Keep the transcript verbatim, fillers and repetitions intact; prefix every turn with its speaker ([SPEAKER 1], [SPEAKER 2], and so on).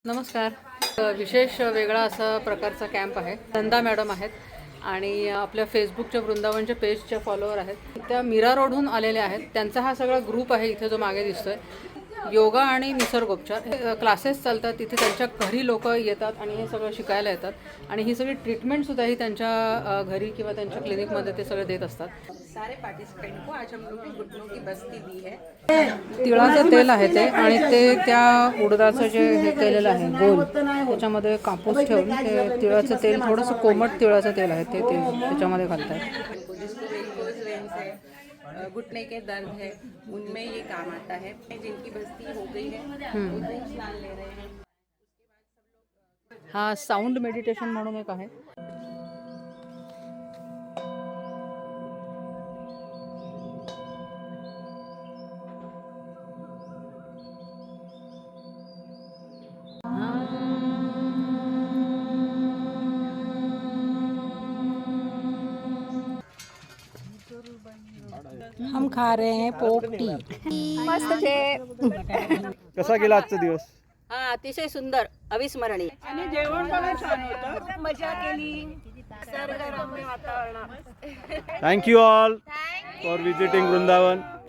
[SPEAKER 1] नमस्कार. विशेष वेगळा असा प्रकारचा कॅम्प आहे. नंदा मॅडम आहेत आणि आपल्या फेसबुकच्या वृंदावनच्या पेजच्या फॉलोअर आहेत. त्या मीरा रोडहून आलेल्या आहेत. त्यांचा हा सगळा ग्रुप आहे इथे जो मागे दिसतोय. योगा आणि निसर्गोपचार क्लासेस चालतात तिथे. त्यांच्या घरी लोक येतात आणि हे सगळं शिकायला येतात आणि ही सगळी ट्रीटमेंटसुद्धा ही त्यांच्या घरी किंवा त्यांच्या क्लिनिकमध्ये ते सगळे देत असतात.
[SPEAKER 2] सारे पार्टिसिपेंट को आज हम लोग ने घुटनों की बस्ती दी है.
[SPEAKER 1] तिळाचं तेल आहे ते आणि ते त्या उडदाचं जे हे केलेलं आहे गोल त्याच्यामध्ये कापूस ठेवून ते तिळाचं तेल थोडंसं कोमट तिळाचं तेल आहे ते तेल त्याच्यामध्ये घालतात.
[SPEAKER 2] जिसको वेरिकोज वेन्स है, घुटने के दर्द है, उनमें ये काम आता है. जिनकी बस्ती हो गई है वो दूध स्नान ले रहे हैं.
[SPEAKER 1] हा साऊंड मेडिटेशन म्हणून एक आहे.
[SPEAKER 3] हम खा रहे हैं पोपटी.
[SPEAKER 4] मस्त छे.
[SPEAKER 5] कसा गेला आजचा दिवस?
[SPEAKER 4] हा अतिशय सुंदर अविस्मरणीय
[SPEAKER 3] आणि जेवण पण छान होतं.
[SPEAKER 4] मजा केली निसर्गरम्य वातावरणात.
[SPEAKER 5] Thank you all for visiting Vrindavan.